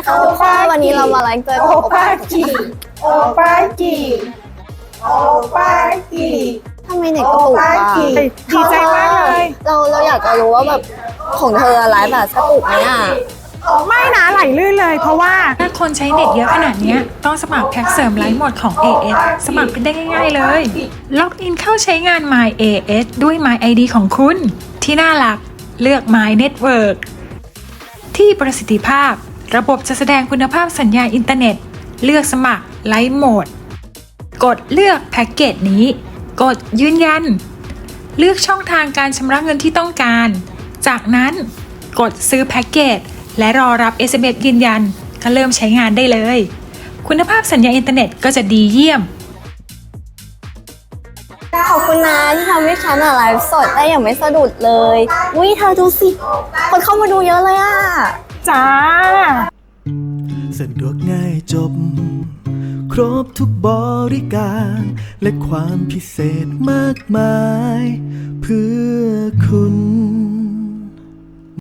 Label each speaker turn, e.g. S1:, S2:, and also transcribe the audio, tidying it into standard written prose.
S1: ค่ะทุกคนวันนี้เรามาไลฟ์เจอกับโอป้าจี
S2: โอปาจีโอปาจี
S1: ทำไมเน็ตกระตุกอ่ะ
S2: ดีใจมากเลย
S1: เราอยากจะรู้ว่าแบบของเธอไลฟ์แบบกระตุกไหมอ่ะ
S2: ไม่นะไหลลื่นเลยเพราะว่า
S3: ถ้าคนใช้เน็ตเยอะขนาดนี้ต้องสมัครแพ็กเสริมไลฟ์หมดของ AS สมัครเป็นได้ง่ายๆเลย ล็อกอินเข้าใช้งาน My AS ด้วย My ID ของคุณ ที่น่ารักเลือก My Network ที่ประสิทธิภาพระบบจะแสดงคุณภาพสัญญาณอินเทอร์เน็ต เลือกสมัครไลฟ์โหมด กดเลือกแพ็กเกจนี้ กดยืนยัน เลือกช่องทางการชำระเงินที่ต้องการ จากนั้นกดซื้อแพ็กเกจและรอรับ SMS ยืนยันก็เริ่มใช้งานได้เลย คุณภาพสัญญาณอินเทอร์เน็ตก็จะดีเยี่ยม
S1: ขอบคุณนะที่ทำให้ฉันไลฟ์สดได้อย่างไม่สะดุดเลยอุ้ยเธอดูสิคนเข้ามาดูเยอะเลยอ่ะ
S2: จ้า
S4: สะดวกง่ายจบ ครบทุกบริการ และความพิเศษมากมาย เพื่อคุณ